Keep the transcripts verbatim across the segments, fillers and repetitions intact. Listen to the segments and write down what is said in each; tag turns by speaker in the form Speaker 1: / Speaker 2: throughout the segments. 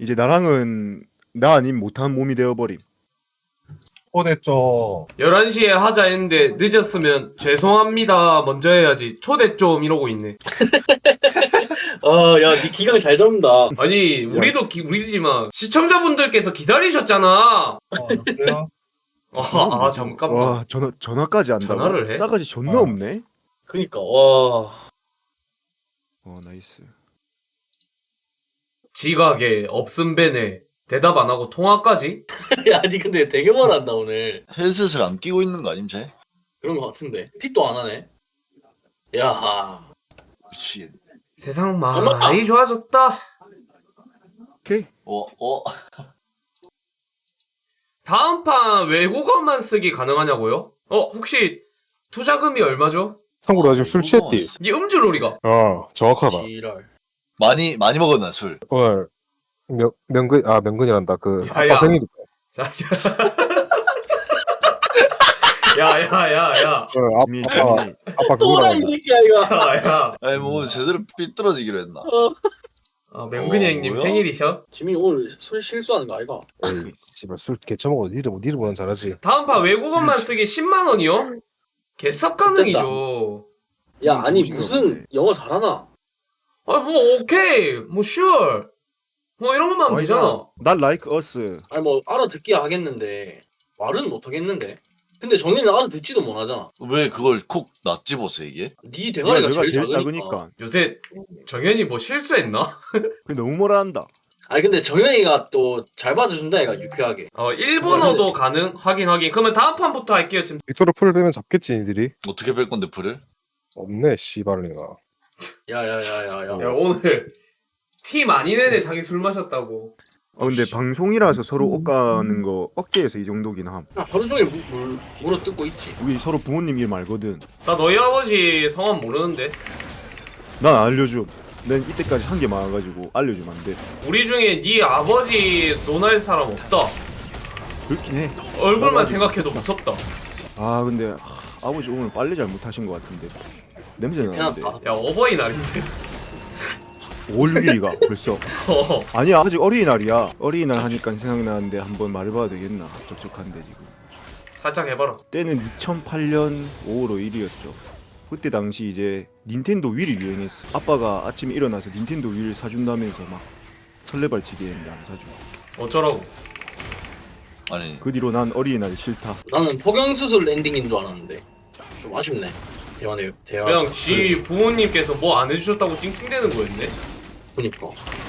Speaker 1: 이제 나랑은 나 아님 못한 몸이 되어버림.
Speaker 2: 초대죠.
Speaker 3: 열한 시에 하자 했는데 늦었으면 죄송합니다 먼저 해야지. 초대 좀 이러고 있네.
Speaker 4: 아, 야, 니 기강 잘 잡는다.
Speaker 3: 아니 우리도 기, 우리지만 시청자분들께서 기다리셨잖아.
Speaker 2: 어, 여보세요?
Speaker 3: 아, 아 잠깐만.
Speaker 1: 와 전화 전화까지 한다고?
Speaker 3: 전화를 해?
Speaker 1: 싸가지 존나
Speaker 2: 어.
Speaker 1: 없네.
Speaker 4: 그니까, 와.
Speaker 1: 어 나이스.
Speaker 3: 지각에 없음 배네. 대답 안 하고 통화까지?
Speaker 4: 야, 니 근데 되게 말한다, 오늘.
Speaker 5: 헤드셋을 안 끼고 있는 거 아님 쟤?
Speaker 4: 그런 거 같은데. 픽도 안 하네. 야,
Speaker 5: 미치겠네.
Speaker 3: 세상 많이 좋아졌다.
Speaker 1: 오케이.
Speaker 5: 어, 어.
Speaker 3: 다음 판 외국어만 쓰기 가능하냐고요? 어 혹시 투자금이 얼마죠?
Speaker 2: 참고로 나 지금 술 취했디.
Speaker 3: 이 음주놀이가
Speaker 2: 어, 정확하다.
Speaker 4: 지랄.
Speaker 5: 많이 많이 먹었나 술?
Speaker 2: 오늘 명 명근 아 명근이란다. 그
Speaker 3: 야야.
Speaker 2: 아빠 생일.
Speaker 3: 자, 자. 야야야야
Speaker 2: 오늘 아,
Speaker 1: 재미
Speaker 2: 아빠
Speaker 1: 재미.
Speaker 2: 아빠
Speaker 4: 또라, 이
Speaker 2: 그거란다.
Speaker 4: 새끼야, 이거.
Speaker 3: 야야
Speaker 5: 아니 뭐 제대로 삐뚤어지기로 했나?
Speaker 3: 아, 명근이
Speaker 5: 어,
Speaker 3: 형님
Speaker 5: 뭐야?
Speaker 3: 생일이셔?
Speaker 4: 지민이 오늘 술 실수하는 거 아이가?
Speaker 2: 에이, 씨발 술 개처먹어. 니를 니를 보면 잘하지.
Speaker 3: 다음 판 외국어만 쓰기 십만 원이요? 개쌉 가능이죠.
Speaker 4: 야, 아니,
Speaker 1: 정신이
Speaker 4: 무슨
Speaker 1: 없네.
Speaker 4: 영어 잘하나?
Speaker 3: 아 뭐 오케이 뭐 sure 뭐 이런 것만 하면 되잖아.
Speaker 1: 난 like us.
Speaker 4: 아니, 뭐, 알아듣기야 하겠는데, 말은 못 하겠는데. 근데 정현이는 알아듣지도 못하잖아.
Speaker 5: 왜 그걸 콕 낯 집어서 이게?
Speaker 4: 니 대가리가
Speaker 1: 내가
Speaker 4: 제일,
Speaker 1: 제일
Speaker 4: 작으니까.
Speaker 1: 작으니까.
Speaker 3: 요새 정현이 뭐 실수했나?
Speaker 1: 그 너무 뭐라 한다.
Speaker 4: 아니, 근데 정현이가 또 잘 봐줘준다, 얘가 유쾌하게.
Speaker 3: 어 일본어도 가능? 확인 확인. 그러면 다음 판부터 할게요. 지금
Speaker 2: 빅토르 풀 빼면 잡겠지 니들이.
Speaker 5: 어떻게 뺄 건데 풀을?
Speaker 2: 없네 씨발이나.
Speaker 4: 야야야야야.
Speaker 3: 야 오늘 티 많이 내네. 자기 술 마셨다고.
Speaker 1: 어 근데 방송이라서 서로 옷 가는 거 억제해서 이 정도긴 함.
Speaker 4: 야, 하루 종일 물, 물, 물어 뜯고 있지.
Speaker 1: 우리 서로 부모님 이름 알거든.
Speaker 3: 나 너희 아버지 성함 모르는데.
Speaker 1: 난 알려줘. 난 이때까지 한 게 많아가지고 알려주면 안 돼.
Speaker 3: 우리 중에 네 아버지 논할 사람 없다.
Speaker 1: 그렇긴 해.
Speaker 3: 얼굴만
Speaker 1: 아버지.
Speaker 3: 생각해도 무섭다.
Speaker 1: 아 근데 하, 아버지 오늘 빨래 잘못하신 것 같은데. 냄새 나는데.
Speaker 4: 미안하다.
Speaker 3: 야 어버이날인데.
Speaker 1: 오월 육 일이가 벌써.
Speaker 3: 어.
Speaker 1: 아니야 아직 어린이날이야. 어린이날 하니까 생각나는데 한번 말해봐도 되겠나. 적적한데 지금.
Speaker 3: 살짝 해봐라.
Speaker 1: 때는 이천팔 년 오월 오 일이었죠. 그때 당시 이제 닌텐도 위를 유행했어. 아빠가 아침에 일어나서 닌텐도 위를 사준다면서 막 설레발치기 했는데 안 사주고.
Speaker 3: 어쩌라고.
Speaker 5: 아니
Speaker 1: 그 뒤로 난 어린이날이 싫다.
Speaker 4: 나는 포경수술 엔딩인 줄 알았는데 좀 아쉽네. 대화네 대화.
Speaker 3: 그냥 지 부모님께서 뭐 안 해주셨다고 찡찡대는 거였네.
Speaker 4: 보니까.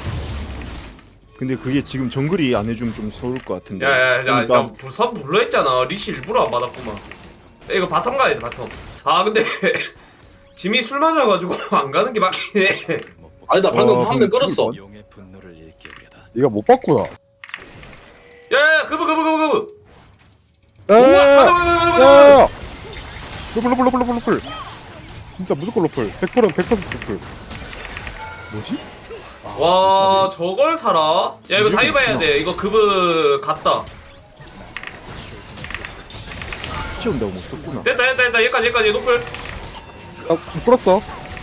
Speaker 1: 근데 그게 지금 정글이 안 해주면 좀 서울 것 같은데.
Speaker 3: 야야야 나
Speaker 1: 일단
Speaker 3: 불- 선 불러 했잖아. 리시 일부러 안 받았구만. 야, 이거 바텀 가야 돼 바텀. 아 근데 짐이 술 마셔가지고 안 가는 게 맞긴 해.
Speaker 4: 아니 나 방금
Speaker 1: 와,
Speaker 4: 한 명
Speaker 1: 근데
Speaker 4: 끌었어.
Speaker 1: 죽을
Speaker 2: 네가 못 봤구나.
Speaker 3: 야야 그브 그브 그브 그브.
Speaker 2: 야,
Speaker 3: 우와,
Speaker 2: 야,
Speaker 3: 가자, 가자, 가자, 가자.
Speaker 2: 야, 야. 로플 로플 로플 로플 로플. 진짜 무조건 로플. 백 퍼센트 백 퍼센트 로플. 뭐지?
Speaker 3: 와 저걸 사라? 야 이거 다이브 해야 돼. 이거 그브 갔다.
Speaker 1: 치운다고 못 썼구나.
Speaker 3: 됐다 됐다 됐다 여기까지 여기까지 노플.
Speaker 2: 아, 풀었어.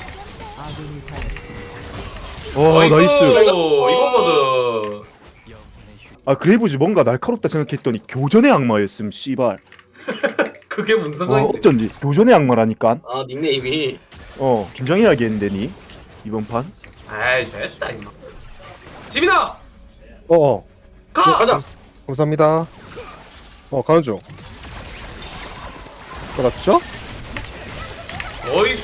Speaker 1: 와
Speaker 3: 나이스.
Speaker 1: 나이스.
Speaker 3: 이거거든.
Speaker 1: 아 그레이브즈 뭔가 날카롭다 생각했더니 교전의 악마였음. 씨발.
Speaker 3: 그게 무슨
Speaker 1: 와
Speaker 3: 상관인데?
Speaker 1: 어쩐지 교전의 악마라니까.
Speaker 4: 아 닉네임이.
Speaker 1: 어 김장해야겠는데 니 이번 판.
Speaker 3: 아이 됐다 임마. 지민아
Speaker 2: 어, 어.
Speaker 3: 가.
Speaker 4: 가자.
Speaker 2: 감사합니다. 어, 가는 중. 그렇죠?
Speaker 3: 어이수.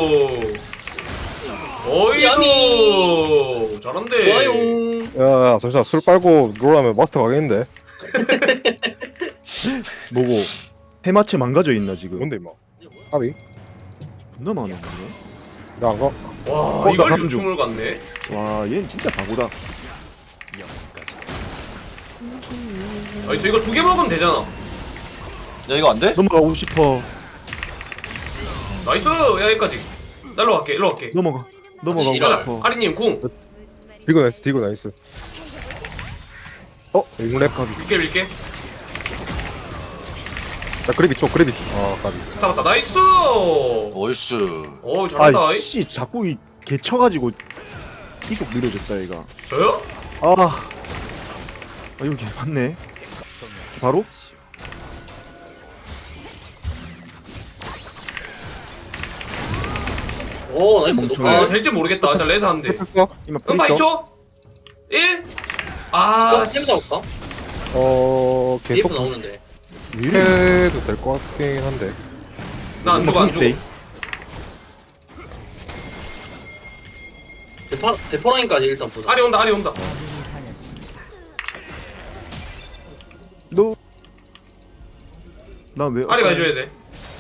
Speaker 3: 어이수.
Speaker 4: 야미.
Speaker 3: 잘한데.
Speaker 4: 좋아요.
Speaker 2: 야, 야, 잠시만. 술 빨고 롤하면 마스터 가겠는데?
Speaker 1: 뭐고 해마체 망가져 있나 지금.
Speaker 2: 뭔데, 임마? 까비?
Speaker 1: 존나 많네.
Speaker 2: 나안 가?
Speaker 3: 와
Speaker 1: 어, 나
Speaker 3: 이걸
Speaker 1: 가는
Speaker 3: 유충을 갔네.
Speaker 1: 와 얘는 진짜 바보다.
Speaker 3: 아이수 이거 두 개 먹으면 되잖아.
Speaker 5: 야 이거 안 돼?
Speaker 1: 넘어가고 싶어.
Speaker 3: 나이스. 야 여기까지. 나 일로 갈게 일로 갈게.
Speaker 1: 넘어가. 넘어가고
Speaker 4: 지랄.
Speaker 1: 싶어.
Speaker 3: 아리님 궁.
Speaker 2: 디고 나이스, 디고 나이스. 어? 잉랩 까비.
Speaker 3: 밀게 밀게.
Speaker 2: 나 그래비 쳐, 그래비 쳐. 아, 까비.
Speaker 3: 잡았다. 나이스.
Speaker 5: 얼쑤.
Speaker 3: 오 잘한다.
Speaker 1: 아씨 자꾸 이 개쳐가지고 계속 느려졌다 얘가.
Speaker 3: 저요?
Speaker 1: 아 아 여기 맞네. 바로?
Speaker 4: 오 나이스.
Speaker 1: 멈춰.
Speaker 3: 아 될지 모르겠다. 일단 레드 하는데.
Speaker 2: 했어?
Speaker 1: 이마
Speaker 3: 음파
Speaker 1: 프리스.
Speaker 3: 이 초? 일? 아,
Speaker 4: 템
Speaker 3: 씨.
Speaker 4: 잡을까?
Speaker 2: 어
Speaker 4: 디에프
Speaker 2: 계속
Speaker 4: 나오는데.
Speaker 2: 해도 될 것 같긴 한데.
Speaker 3: 나안 죽어, 안 죽어.
Speaker 4: 대파 대포라인까지 일단 보자.
Speaker 3: 아리 온다, 아리 온다.
Speaker 1: 너. 나 왜?
Speaker 3: 아리가 해줘야 돼.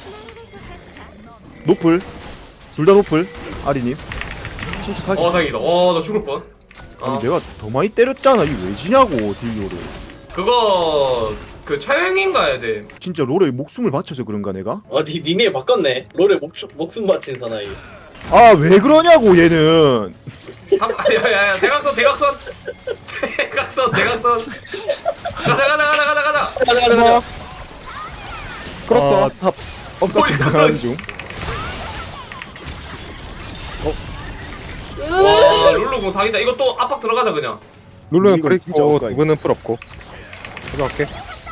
Speaker 1: 노플. 둘 다 노플. 아리님. 침착하게.
Speaker 3: 어, 다행이다. 어, 나 죽을 뻔.
Speaker 1: 아니
Speaker 3: 어.
Speaker 1: 내가 더 많이 때렸잖아. 이거 왜 지냐고 딜료를.
Speaker 3: 그거, 그 차영인 가야 돼.
Speaker 1: 진짜 롤에 목숨을 바쳐서 그런가 내가?
Speaker 4: 아니 니네 바꿨네. 롤에 목 목숨 바친 사나이.
Speaker 1: 아 왜 그러냐고 얘는.
Speaker 3: 한- 아, 야, 야, 야, 대각선, 대각선. 대각선, 대각선. 가자, 가자, 가자, 가자, 가자.
Speaker 4: 가자 가자
Speaker 2: 하나
Speaker 4: 가자.
Speaker 2: 끌었어.
Speaker 1: 아, 탑.
Speaker 3: 뭐야,
Speaker 1: 엇같이
Speaker 3: 이거,
Speaker 1: 나가는
Speaker 3: 씨.
Speaker 1: 중.
Speaker 3: 와, 룰루공 사기다. 이거 또 압박 들어가자, 그냥.
Speaker 2: 룰루는
Speaker 1: 이거
Speaker 2: 풀
Speaker 1: 진짜
Speaker 2: 있고
Speaker 1: 억까이.
Speaker 2: 누구는 풀 없고. 가져갈게.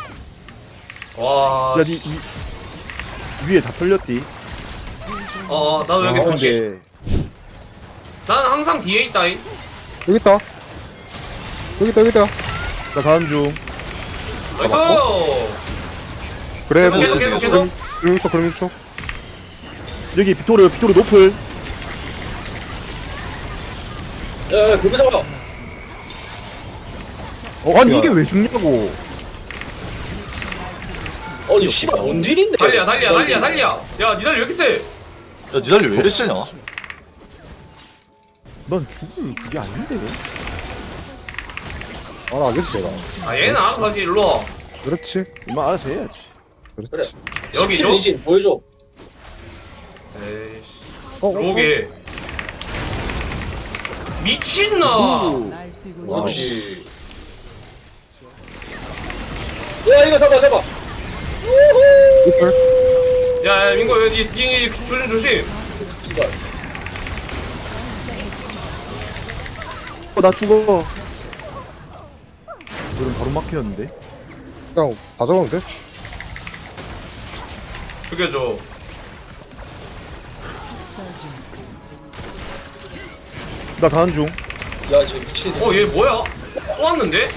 Speaker 3: 와,
Speaker 1: 야,
Speaker 3: 씨.
Speaker 1: 니, 이, 위에 다 털렸디.
Speaker 3: 어, 어, 나도 여기
Speaker 1: 아,
Speaker 3: 있을게.
Speaker 1: 근데
Speaker 3: 나는 항상 뒤에 있다잉.
Speaker 2: 여기 있다. 여기 있다 여기 있다.
Speaker 1: 나 가는 중.
Speaker 3: 나이스!
Speaker 2: 그래.
Speaker 3: 계속, 계속, 계속.
Speaker 2: 그럼 초 그럼 초.
Speaker 1: 여기 비토르, 비토르 노플.
Speaker 4: 야 그거 잡아.
Speaker 1: 어, 아니
Speaker 2: 야.
Speaker 1: 이게 왜 죽냐고.
Speaker 4: 아니 씨발 원딜인데.
Speaker 3: 달리야, 달리야, 달리야, 달리야. 야, 니달리 왜 이렇게 세?
Speaker 5: 야 니달리 왜 이래 세냐?
Speaker 1: 난 죽을 그게 아닌데.
Speaker 2: 알아 알겠지 내가.
Speaker 3: 아, 얘는 알아서 하지, 일로 와.
Speaker 2: 그렇지.
Speaker 1: 이마 알아서 해야지.
Speaker 2: 그렇지.
Speaker 4: 그래.
Speaker 3: 여기 줘?
Speaker 4: 신 보여줘.
Speaker 3: 에이씨.
Speaker 2: 어, 어, 어.
Speaker 3: 로게. 미친나!
Speaker 1: 와우.
Speaker 4: 그렇지. 야 이거 잡아 잡아.
Speaker 2: 노플.
Speaker 3: 야, 야, 민고, 니, 니, 니, 조심, 조심.
Speaker 4: 씨발.
Speaker 1: 어, 나 죽어. 그럼 바로 막혔는데.
Speaker 2: 그냥 다 잡으면 돼.
Speaker 3: 죽여줘.
Speaker 1: 나 가는 중.
Speaker 4: 야 지금 미친.
Speaker 3: 어, 얘 뭐야? 또 왔는데?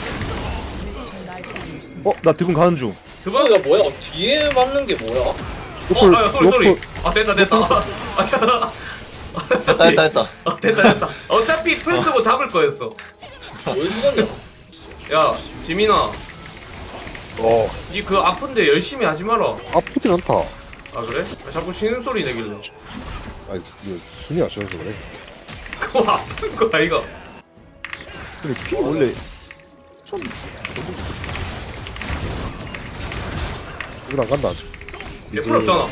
Speaker 1: 어, 나 드금 가는 중.
Speaker 3: 그거?
Speaker 4: 이거 뭐야? 뒤에 맞는 게 뭐야?
Speaker 3: 어, 아, 야, 쏘리, 쏘리.
Speaker 2: 노플.
Speaker 3: 아, 됐다, 됐다. 아, 됐다. 아,
Speaker 5: 됐다
Speaker 3: 쏘리.
Speaker 5: 됐다 됐다.
Speaker 3: 아, 됐다, 됐다. 어차피 풀 쓰고 잡을 거였어.
Speaker 4: 왜 죽었냐?
Speaker 3: 야, 지민아.
Speaker 2: 어.
Speaker 3: 니 그 아픈데 열심히 하지 마라.
Speaker 2: 아프진 않다.
Speaker 3: 아, 그래? 아, 자꾸 쉬는 소리 내길래.
Speaker 2: 아니 이거 순위 아쉬워서 그래.
Speaker 3: 그거 아픈 거야, 이거.
Speaker 1: 근데 피 원래
Speaker 2: 이거 안 간다 아직.
Speaker 3: 얘 풀 없잖아.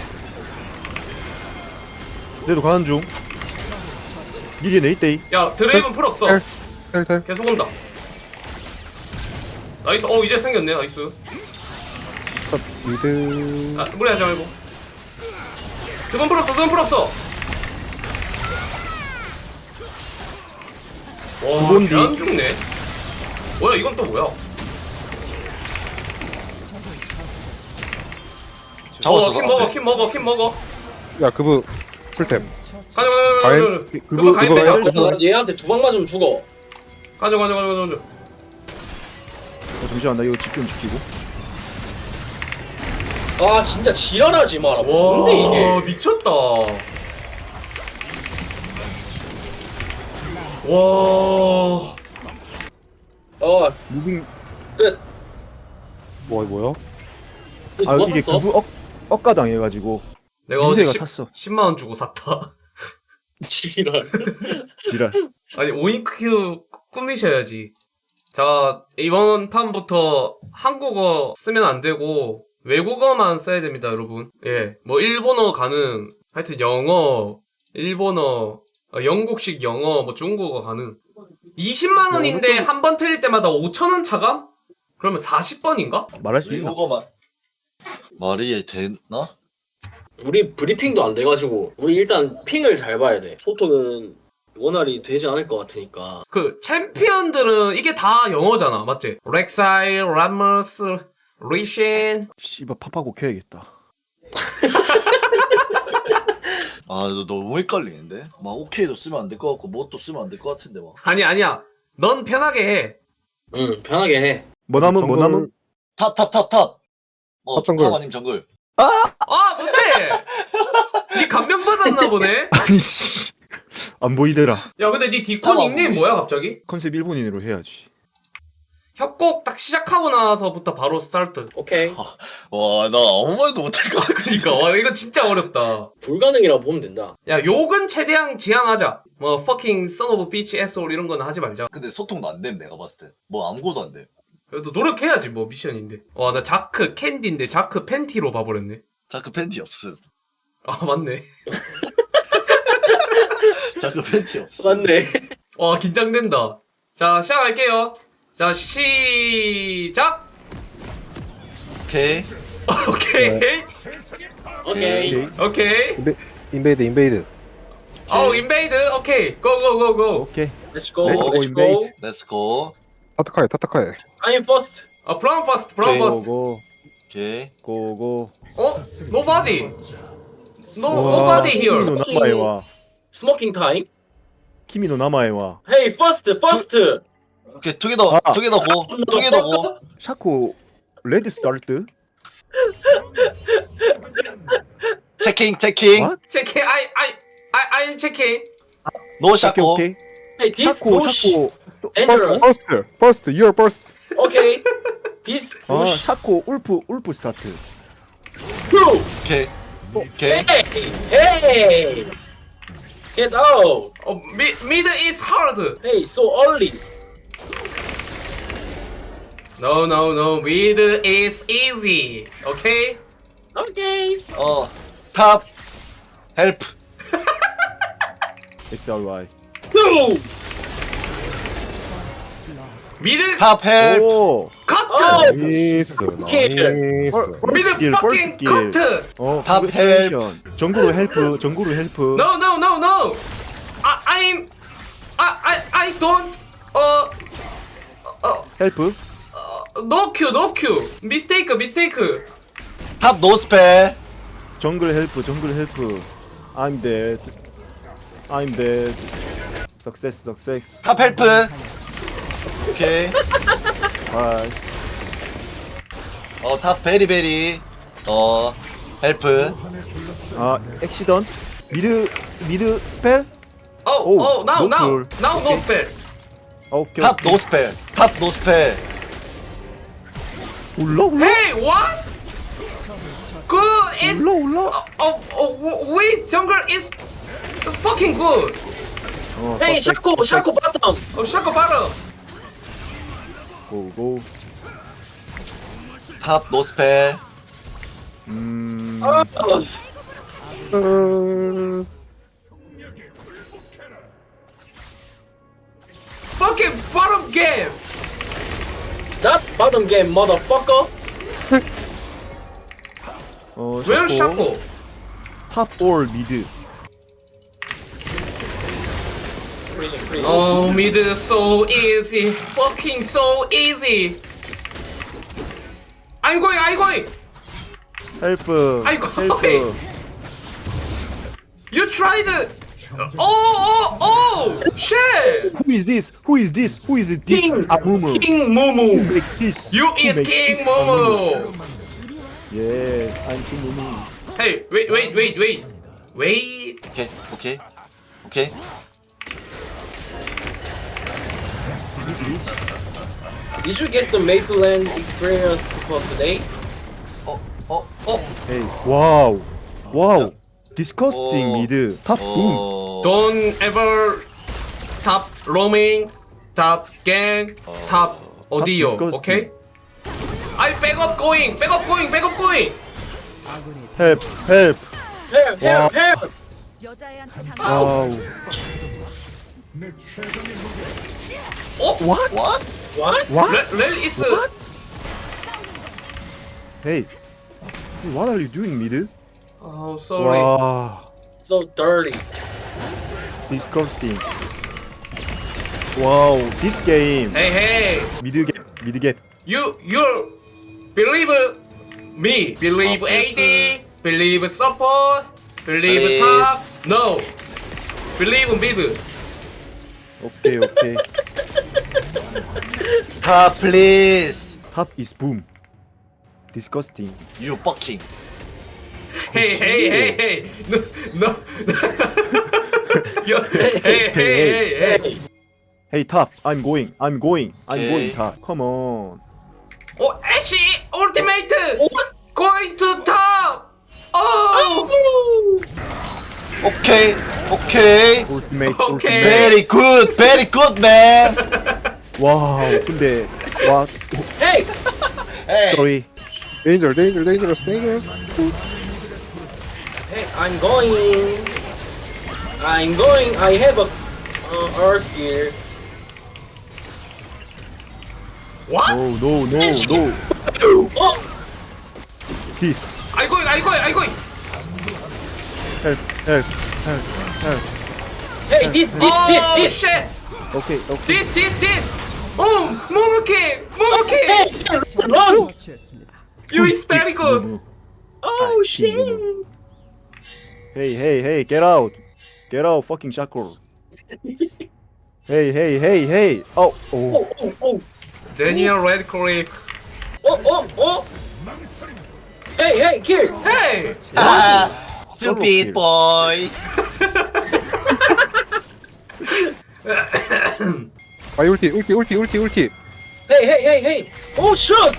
Speaker 1: 내도 가는 중. 니게 네이테이.
Speaker 3: 야, 드레이븐 풀 없어.
Speaker 2: 텔. 텔텔.
Speaker 3: 계속 온다. 나이스. 어, 이제 생겼네. 나이스.
Speaker 2: 미드.
Speaker 3: 아, 무리하지 말고. 드건 풀 없어. 드건 풀 없어. 와,
Speaker 1: 그건 니-
Speaker 3: 안 죽네. 뭐야, 이건 또 뭐야?
Speaker 5: 잡았어.
Speaker 3: 어, 킴 먹어, 킴 먹어, 킴 먹어.
Speaker 2: 야 그브 풀템.
Speaker 3: 가져, 가져, 가져,
Speaker 2: 가인.
Speaker 3: 가져.
Speaker 1: 그-
Speaker 3: 그거
Speaker 1: 그거
Speaker 3: 가인
Speaker 1: 그거
Speaker 3: 빼자.
Speaker 1: 짤-
Speaker 4: 나 얘한테 두 방 맞으면 죽어.
Speaker 3: 가져, 가져, 가져, 가져.
Speaker 1: 어, 잠시만 나 이거 집중 지키고.
Speaker 4: 아 진짜 지랄하지 마라.
Speaker 3: 와,
Speaker 4: 뭔데 이게?
Speaker 3: 미쳤다. 와,
Speaker 4: 아
Speaker 1: 무빙.
Speaker 4: 끝.
Speaker 2: 뭐 뭐야?
Speaker 1: 아
Speaker 4: 누가
Speaker 1: 이게
Speaker 4: 샀어?
Speaker 1: 그부 억 억가당 해가지고
Speaker 3: 내가 어제
Speaker 1: 민세가
Speaker 3: 십,
Speaker 1: 샀어.
Speaker 3: 십만 원 주고 샀다.
Speaker 4: 지랄.
Speaker 1: 지랄.
Speaker 3: 아니, 오잉크 꾸미셔야지. 자, 이번 판부터 한국어 쓰면 안 되고 외국어만 써야 됩니다, 여러분. 예, 뭐 일본어 가능, 하여튼 영어, 일본어, 어, 영국식 영어, 뭐 중국어 가능. 이십만 원인데 한 번 틀릴 때마다 오천 원 차감? 그러면 사십 번인가?
Speaker 1: 말할 수 있나?
Speaker 5: 외국어만. 말이 되나?
Speaker 4: 우리 브리핑도 안 돼가지고 우리 일단 핑을 잘 봐야 돼. 소통은 원활히 되지 않을 것 같으니까.
Speaker 3: 그 챔피언들은 이게 다 영어잖아, 맞지? 렉사일, 라머스, 리신.
Speaker 1: 씨발 팝하고 켜야겠다.
Speaker 5: 아, 너 너무 헷갈리는데? 막 오케이도 쓰면 안 될 것 같고 뭣도 쓰면 안 될 것 같은데 막.
Speaker 3: 아니 아니야. 넌 편하게 해.
Speaker 4: 응, 편하게 해.
Speaker 1: 뭐 남은 뭐
Speaker 2: 정글-
Speaker 1: 남은?
Speaker 5: 탑, 탑, 탑, 탑! 어,
Speaker 2: 탑 정글.
Speaker 5: 탑 아님 정글.
Speaker 3: 아 뭔데? 니 감명 받았나 보네.
Speaker 1: 아니 씨. 안 보이더라.
Speaker 3: 야 근데 니 디코
Speaker 5: 봐봐,
Speaker 3: 닉네임
Speaker 5: 보이.
Speaker 3: 뭐야 갑자기?
Speaker 1: 컨셉 일본인으로 해야지.
Speaker 3: 협곡 딱 시작하고 나서부터 바로 스타트.
Speaker 4: 오케이.
Speaker 5: 와, 나 아무 말도 못할 것 같아.
Speaker 3: 그니까 와 이거 진짜 어렵다.
Speaker 4: 불가능이라고 보면 된다.
Speaker 3: 야 욕은 최대한 지양하자. 뭐 fucking son of a bitch asshole 이런 거는 하지 말자.
Speaker 5: 근데 소통도 안 됨, 내가 봤을 때. 뭐 아무것도 안 돼.
Speaker 3: 그래도 노력해야지 뭐 미션인데. 와 나 자크 캔디인데 자크 팬티로 봐버렸네.
Speaker 5: 자크 팬티 없음.
Speaker 3: 아 맞네.
Speaker 5: 자크 팬티 없음.
Speaker 4: 맞네.
Speaker 3: 와 긴장된다. 자 시작할게요. 자 시작.
Speaker 5: 오케이.
Speaker 3: 오케이
Speaker 4: 오케이.
Speaker 1: 오케이.
Speaker 3: 오케이.
Speaker 2: 인베, 인베이드 인베이드.
Speaker 3: 어 인베이드 오케이 고고고고.
Speaker 1: 오케이.
Speaker 4: Let's go.
Speaker 1: Let's go,
Speaker 4: Let's go.
Speaker 1: invade.
Speaker 5: 렛츠고.
Speaker 2: 타타카이 타타카이.
Speaker 4: I'm first.
Speaker 3: 아 브라운 퍼스트 브라운
Speaker 5: 오케이.
Speaker 3: 퍼스트.
Speaker 1: 고고
Speaker 5: 오케이.
Speaker 1: 고고.
Speaker 3: 어 노바디. 노
Speaker 1: 우와,
Speaker 3: 노바디
Speaker 1: 키미노
Speaker 3: 히어.
Speaker 1: 나마에와.
Speaker 4: 스모킹 타임.
Speaker 1: 키미노 나마에와.
Speaker 4: Hey, first, first.
Speaker 5: 오케이, 투게더,
Speaker 1: 아.
Speaker 5: 투게더 고. 투게더 고.
Speaker 1: 샤코 레드 스타트.
Speaker 5: 체킹, 체킹.
Speaker 1: What?
Speaker 3: 체킹 아이 아이 아이 I'm 체킹.
Speaker 5: 노
Speaker 1: 오케이
Speaker 5: 샤코.
Speaker 1: 오케이.
Speaker 4: Hey, this
Speaker 1: 샤코
Speaker 4: push.
Speaker 1: 샤코. 소-
Speaker 4: Dangerous.
Speaker 2: 퍼스트 퍼스트 you're first.
Speaker 4: Okay. This
Speaker 1: 아
Speaker 4: push.
Speaker 1: 샤코 울프 울프 스타트.
Speaker 4: Two.
Speaker 5: 오케이. 오케이.
Speaker 4: Hey, hey. Get out.
Speaker 3: 어 미, 미드 is hard.
Speaker 4: Hey, so early.
Speaker 3: No no no middle is easy. Okay?
Speaker 4: Okay.
Speaker 5: 어, 탑. 헬프.
Speaker 1: 에스알와이.
Speaker 4: Two.
Speaker 3: 미드
Speaker 5: 탑 헬프.
Speaker 1: 오.
Speaker 3: 커트.
Speaker 4: 어.
Speaker 2: 나이스
Speaker 4: 킬.
Speaker 2: 나이스.
Speaker 3: 미드
Speaker 1: 펄스길,
Speaker 3: fucking
Speaker 1: 펄스길.
Speaker 3: 커트.
Speaker 1: 어.
Speaker 5: 탑
Speaker 1: 컨그레이션. 정구로 헬프. 정구로 헬프.
Speaker 3: No no no no. I I'm I I I don't 어 어,
Speaker 1: 헬프.
Speaker 3: 어 no Q no Q. mistake mistake.
Speaker 5: 탑 노스펠.
Speaker 1: 정글 헬프. 정글 헬프. I'm dead. I'm dead. Success success.
Speaker 5: 탑 헬프. 오케이.
Speaker 1: 바이.
Speaker 5: 어, 탑 베리베리. 어, 헬프.
Speaker 1: 아 액시던. 미드 미드 스펠.
Speaker 3: Oh
Speaker 1: 오,
Speaker 3: oh now
Speaker 1: no
Speaker 3: now
Speaker 1: cool.
Speaker 3: now no
Speaker 1: 오케이.
Speaker 3: spell.
Speaker 1: 오케이.
Speaker 5: 탑 노스펠. 탑 노스펠.
Speaker 1: 올라 올라.
Speaker 3: Hey what? Good is
Speaker 1: 올라 올라.
Speaker 3: oh oh wait jungle is fucking good.
Speaker 1: 어,
Speaker 4: Hey,
Speaker 1: 퍼펙트,
Speaker 4: Shaco,
Speaker 1: 퍼펙트.
Speaker 4: Shaco bottom.
Speaker 3: 어 샤코 바로.
Speaker 1: 고고.
Speaker 5: 탑 노스펠.
Speaker 1: 음.
Speaker 4: 아,
Speaker 2: 음,
Speaker 3: Fucking bottom game.
Speaker 4: that bottom game, motherfucker.
Speaker 1: 어,
Speaker 3: Where
Speaker 1: 샤코.
Speaker 3: 샤코?
Speaker 1: 탑올 미드.
Speaker 4: Freezing, freezing.
Speaker 3: Oh mid so easy. Fucking so easy. I'm going I'm going.
Speaker 1: 헬프.
Speaker 3: 아이고,
Speaker 1: 헬프.
Speaker 3: You tried. Oh oh oh shit.
Speaker 1: Who is this? Who is this? Who is this?
Speaker 4: King,
Speaker 1: Amumu.
Speaker 4: King
Speaker 1: Who
Speaker 4: Mumu.
Speaker 1: make this?
Speaker 3: You
Speaker 1: Who
Speaker 3: is
Speaker 1: make
Speaker 3: King
Speaker 1: this
Speaker 3: Momo.
Speaker 1: Yes, I'm King Mumu.
Speaker 3: Hey wait wait wait wait wait.
Speaker 5: 오케이, 오케이. 오케이.
Speaker 4: Did you get the Mapleland experience for today?
Speaker 5: 어, 어, 어.
Speaker 1: Hey, wow, wow. Disgusting
Speaker 5: 어.
Speaker 1: 미드. 탑 붐.
Speaker 5: 어.
Speaker 3: Don't ever top roaming, top gang, top audio.
Speaker 1: disgusting.
Speaker 3: Okay? I back up going, back up going, back up going.
Speaker 1: Help, help.
Speaker 4: Help, help, help.
Speaker 6: 여자애한테 당
Speaker 1: 와우.
Speaker 3: Oh,
Speaker 1: What?
Speaker 5: What?
Speaker 4: What?
Speaker 1: What?
Speaker 3: Rel Rel is
Speaker 1: Hey. What are you doing, 미드?
Speaker 3: oh sorry.
Speaker 1: 와,
Speaker 4: So dirty.
Speaker 1: disgusting. 와우, this game.
Speaker 3: Hey, hey,
Speaker 1: 미드 갭, 미드 갭.
Speaker 3: you, you believe me, believe A D, believe support, believe
Speaker 5: Please.
Speaker 3: top. No, believe mid.
Speaker 1: 오케이, 오케이.
Speaker 5: 탑 플리즈.
Speaker 1: Top is boom. Disgusting.
Speaker 5: You fucking.
Speaker 3: Hey, hey, hey, hey, no, no. Yo, hey, hey, hey, hey, hey.
Speaker 1: Hey, top. I'm going. I'm going. I'm
Speaker 5: Okay.
Speaker 1: going, top. Come on.
Speaker 3: Oh, Ashy ultimate going to top. Oh,
Speaker 5: 오케이 오케이.
Speaker 1: Ultimate,
Speaker 3: Okay.
Speaker 1: ultimate.
Speaker 5: Very good, very good man.
Speaker 1: 와우, 근데 와,
Speaker 4: Hey!
Speaker 5: Hey.
Speaker 1: sorry.
Speaker 2: Danger, danger, dangerous, dangerous.
Speaker 4: Hey, I'm going. I'm going. I have a uh, earth gear.
Speaker 3: what?
Speaker 1: No, no, no, no.
Speaker 4: Oh!
Speaker 1: This.
Speaker 3: I going, I going, I going.
Speaker 1: Help, help, help, help.
Speaker 4: Hey, this, this,
Speaker 3: Oh
Speaker 4: this, this.
Speaker 3: shit!
Speaker 1: Okay, okay.
Speaker 3: This, this, this. Oh, Momoki, Momoki.
Speaker 4: Hey, run!
Speaker 3: You is very good.
Speaker 4: Oh shit!
Speaker 1: Hey, hey, hey, get out. Get out, fucking shackle. Hey, hey, hey, hey. Oh, oh.
Speaker 4: Oh, oh, oh,
Speaker 3: Daniel Radcliffe.
Speaker 4: oh, oh, oh! Hey, hey, here!
Speaker 3: Hey.
Speaker 5: Ah, stupid boy.
Speaker 2: 아, 울티, 울티, 울티, 울티, 울티.
Speaker 4: Hey, hey, hey, hey! Oh shoot!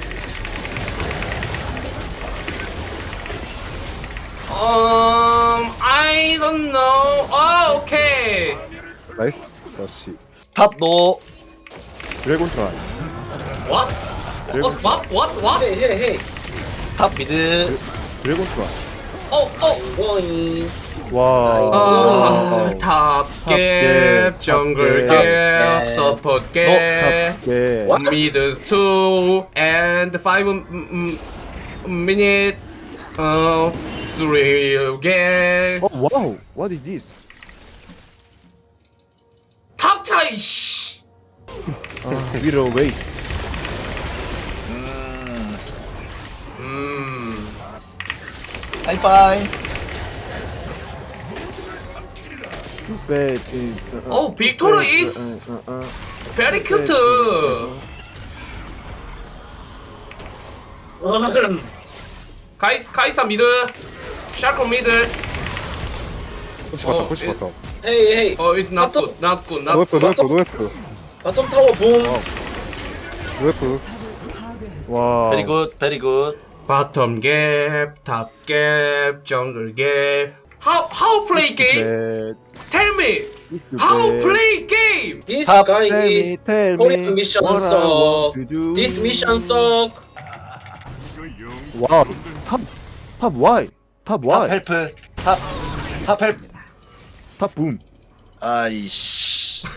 Speaker 3: Um, I don't know. Oh, okay.
Speaker 2: 나이스. 다시.
Speaker 5: 탑 노.
Speaker 1: 드래곤 트라이.
Speaker 3: What? What? What? What? What?
Speaker 4: Hey, hey, hey!
Speaker 5: 탑 미드.
Speaker 1: 드래곤 트라이.
Speaker 3: Oh, oh.
Speaker 4: Going.
Speaker 1: 와.
Speaker 3: 아, 탑 갭, 정글
Speaker 1: 탑
Speaker 3: 갭,
Speaker 4: 갭.
Speaker 3: 서포트 갭,
Speaker 1: 예.
Speaker 4: What?
Speaker 3: mids two and five mm, minute, uh, three 갭.
Speaker 1: Oh, wow. What is this?
Speaker 3: 탑 차이. 씨.
Speaker 1: 아, 위로 웨이스트.
Speaker 5: 음.
Speaker 3: 음.
Speaker 5: 하이파이.
Speaker 1: Too bad.
Speaker 3: Oh, Victor is very cute. 가이스, 가이사 미드, 샤코 미드.
Speaker 2: 푸시 봤다,
Speaker 3: 어,
Speaker 2: 푸시
Speaker 3: 이-
Speaker 2: 봤다.
Speaker 4: Hey, hey!
Speaker 3: Oh, it's not good, not good, not
Speaker 2: 노에프,
Speaker 3: good.
Speaker 2: 노에프, 노에프.
Speaker 4: Bottom tower boom.
Speaker 2: 노에프.
Speaker 1: 와.
Speaker 5: Very good, very good.
Speaker 3: Bottom gap, top gap, jungle gap. How how play game?
Speaker 1: Bad.
Speaker 3: Tell me
Speaker 1: Too
Speaker 3: how
Speaker 1: bad.
Speaker 3: play game?
Speaker 4: This
Speaker 5: Top.
Speaker 4: guy
Speaker 1: Tell
Speaker 4: is
Speaker 1: me, tell
Speaker 4: Korean
Speaker 1: me
Speaker 4: mission
Speaker 1: what I
Speaker 4: suck.
Speaker 1: want to do.
Speaker 4: This mission suck.
Speaker 1: 와. 탑. 탑 Y. 탑
Speaker 5: 탑
Speaker 1: Y.
Speaker 5: 헬프. 탑. 탑 헬프.
Speaker 1: 탑 붐.
Speaker 5: 아이씨.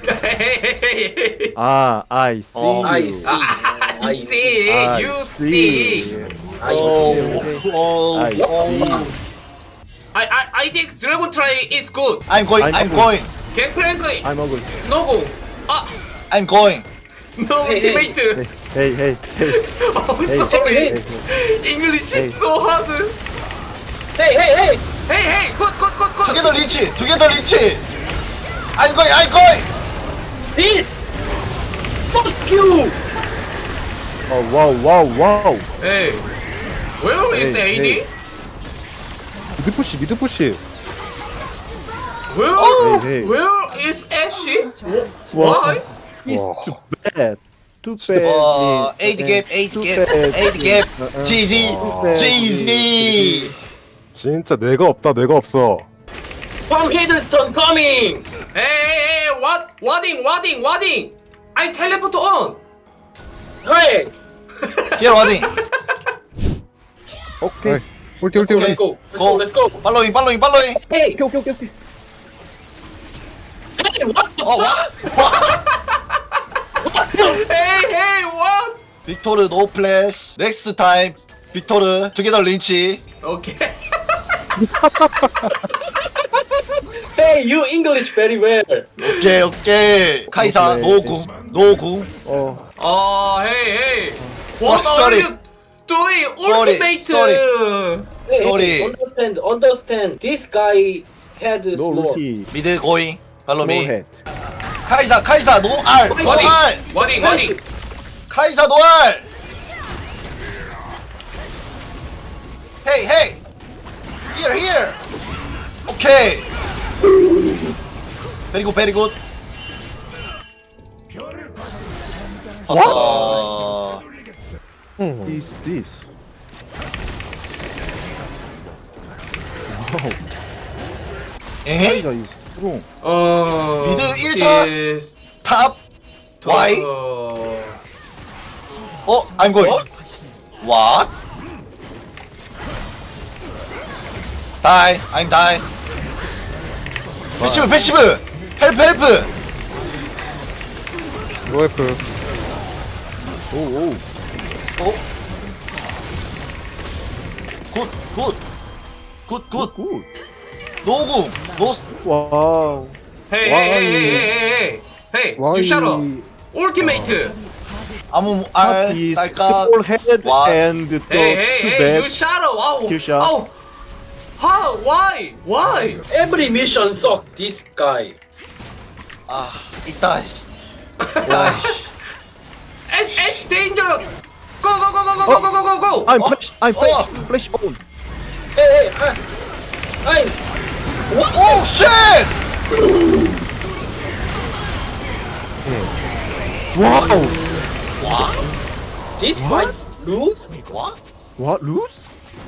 Speaker 1: 아, I see.
Speaker 5: 어,
Speaker 4: I
Speaker 1: you.
Speaker 4: see.
Speaker 3: I see,
Speaker 1: I
Speaker 3: you see.
Speaker 4: I
Speaker 5: 오.
Speaker 4: see.
Speaker 5: 오.
Speaker 1: I see.
Speaker 3: I I I think Dragon Try is good.
Speaker 5: I'm going.
Speaker 1: I'm
Speaker 5: I'm
Speaker 1: going.
Speaker 5: going.
Speaker 3: Gangplank
Speaker 1: I'm ugly.
Speaker 3: no go. Ah,
Speaker 5: I'm going.
Speaker 3: no
Speaker 4: Hey, hey.
Speaker 3: ultimate.
Speaker 1: Hey, hey, hey.
Speaker 3: Oh,
Speaker 1: Hey,
Speaker 3: sorry.
Speaker 4: hey,
Speaker 1: hey.
Speaker 3: English is
Speaker 1: Hey.
Speaker 3: so hard.
Speaker 4: Hey, hey, hey!
Speaker 3: Hey, hey, good, good, good, good.
Speaker 5: 두개 더 리치. 두 개 더 리치. I'm going. I'm going.
Speaker 4: This! Fuck you!
Speaker 1: 어, 와우, 와우, 와우.
Speaker 3: Hey, where is
Speaker 1: Hey,
Speaker 3: A D?
Speaker 1: hey.
Speaker 2: 미드 푸시, 미드 푸시.
Speaker 3: Where
Speaker 1: Hey, hey.
Speaker 3: where is Ashy?
Speaker 1: 와.
Speaker 3: Why?
Speaker 1: It's
Speaker 2: 와.
Speaker 1: too bad. Too bad.
Speaker 5: 어, 에이디 갭, 에이디
Speaker 1: Too
Speaker 5: 갭,
Speaker 1: bad.
Speaker 5: 에이디 갭,
Speaker 1: 어, 어.
Speaker 5: 지지,
Speaker 1: Too bad.
Speaker 5: 지지.
Speaker 2: 진짜 뇌가 없다, 뇌가 없어.
Speaker 4: From Hiddleston coming!
Speaker 3: Hey, hey, hey, what? Wadding, wadding, wadding. I teleport on.
Speaker 4: Hey!
Speaker 5: Here 와딩.
Speaker 1: 오케이.
Speaker 2: 아이, 울티, 울티,
Speaker 5: 오케이.
Speaker 2: 울티.
Speaker 4: Let's go, let's go, let's go!
Speaker 5: 팔로잉, 팔로잉, 팔로잉.
Speaker 4: Hey!
Speaker 1: 오케이, 오케이, 오케이, 오케이.
Speaker 4: Hey, what the
Speaker 5: 어, 와.
Speaker 3: Hey, hey, what?
Speaker 5: 빅토르 노 플래시. 넥스트 타임. 빅토르 투게더 린치.
Speaker 3: Okay.
Speaker 4: Hey, you English very well.
Speaker 5: 오케이 오케이. 카이사
Speaker 2: 오케이.
Speaker 5: 노궁 노궁.
Speaker 2: 어
Speaker 3: 아, 헤이, 헤이. What
Speaker 5: Sorry,
Speaker 3: are you doing?
Speaker 5: Sorry,
Speaker 3: Ultimate!
Speaker 5: sorry.
Speaker 4: Hey,
Speaker 5: Sorry.
Speaker 4: hey, understand, understand. This guy had
Speaker 2: 너
Speaker 4: small.
Speaker 2: 루키
Speaker 5: 미드 고잉. 팔로미.
Speaker 2: 스몰 헤드
Speaker 5: 카이사 카이사 노알
Speaker 3: 워딩,
Speaker 5: 노알.
Speaker 3: 워딩, 워딩.
Speaker 5: 카이사 노알. 헤이 헤이. Here here. 오케이. 베리 굿 베리 굿. 아.
Speaker 2: 음.
Speaker 1: Is this? 와우.
Speaker 5: 에헤이.
Speaker 1: 카이사 is strong.
Speaker 3: 어.
Speaker 5: 미드 일 차.
Speaker 3: is
Speaker 5: 탑. 와이.
Speaker 3: 어,
Speaker 5: 어, I'm going. What? Die. I'm die. 패시브, 패시브. 헬프, 헬프.
Speaker 2: 로에프
Speaker 1: 오오.
Speaker 5: 어? 굿, 굿. 굿, 굿.
Speaker 1: 굿.
Speaker 5: 노궁. 노.
Speaker 1: 와우.
Speaker 3: 헤이,
Speaker 1: 와이.
Speaker 3: 헤이, 헤이, 헤이, 헤이, 헤이, you shut up. Ultimate.
Speaker 5: 아무
Speaker 1: Top
Speaker 5: 알
Speaker 1: is
Speaker 5: 딸까.
Speaker 1: small head
Speaker 5: 와.
Speaker 1: and the
Speaker 3: Hey, hey,
Speaker 1: two
Speaker 3: hey,
Speaker 1: bad.
Speaker 3: you shut up. Wow.
Speaker 1: Kill shot.
Speaker 3: How? How? Why? Why?
Speaker 4: Every mission suck. This guy.
Speaker 5: 아, 이따. 이따.
Speaker 3: Ash, Ash dangerous. Go, go, go, go, go, go, go, go, go.
Speaker 1: I'm
Speaker 5: 어?
Speaker 1: flash. I'm
Speaker 5: 어.
Speaker 1: flash. Flash on.
Speaker 4: Hey, hey, I, I'm.
Speaker 5: 오, 쉣!
Speaker 1: 와우.
Speaker 4: This fight lose?
Speaker 5: 와?
Speaker 1: What lose?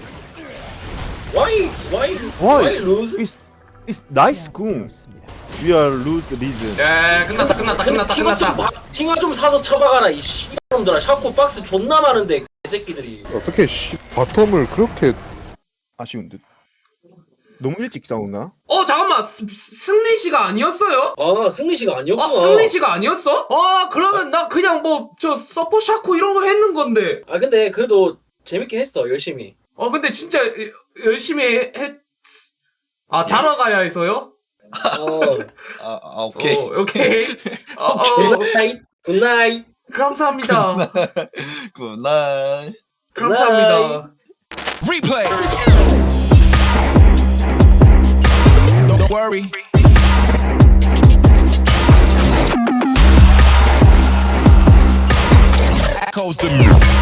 Speaker 4: Why? Why?
Speaker 1: Why?
Speaker 4: Why lose?
Speaker 1: It's it's nice 궁. We are lose reason.
Speaker 3: 야, 끝났다, 끝났다, 끝났다,
Speaker 4: 팅화 좀,
Speaker 3: 끝났다.
Speaker 4: 바- 팅화 좀 사서 쳐박아라 이 씨놈들아. 샤코 박스 존나 많은데 새끼들이.
Speaker 2: 어떻게 씨 바텀을 그렇게
Speaker 1: 아쉬운 듯. 너무 일찍 싸우나?
Speaker 3: 어, 잠깐만. 스, 승리 씨가 아니었어요?
Speaker 4: 아 승리 씨가 아니었구나.
Speaker 3: 아, 승리 씨가 아니었어? 아, 그러면 나 그냥 뭐 저 서포 샤코 이런 거 했는 건데.
Speaker 4: 아 근데 그래도 재밌게 했어 열심히.
Speaker 3: 어, 근데 진짜 열심히 해- 했. 아, 자러 가야 해서요?
Speaker 4: 어.
Speaker 5: 아, 아 오케이.
Speaker 3: 어, 오케이. 어, 어,
Speaker 4: 굿나잇. 굿나잇.
Speaker 3: 감사합니다.
Speaker 5: 굿나잇.
Speaker 3: 감사합니다.
Speaker 6: Replay. Don't worry. Echoes the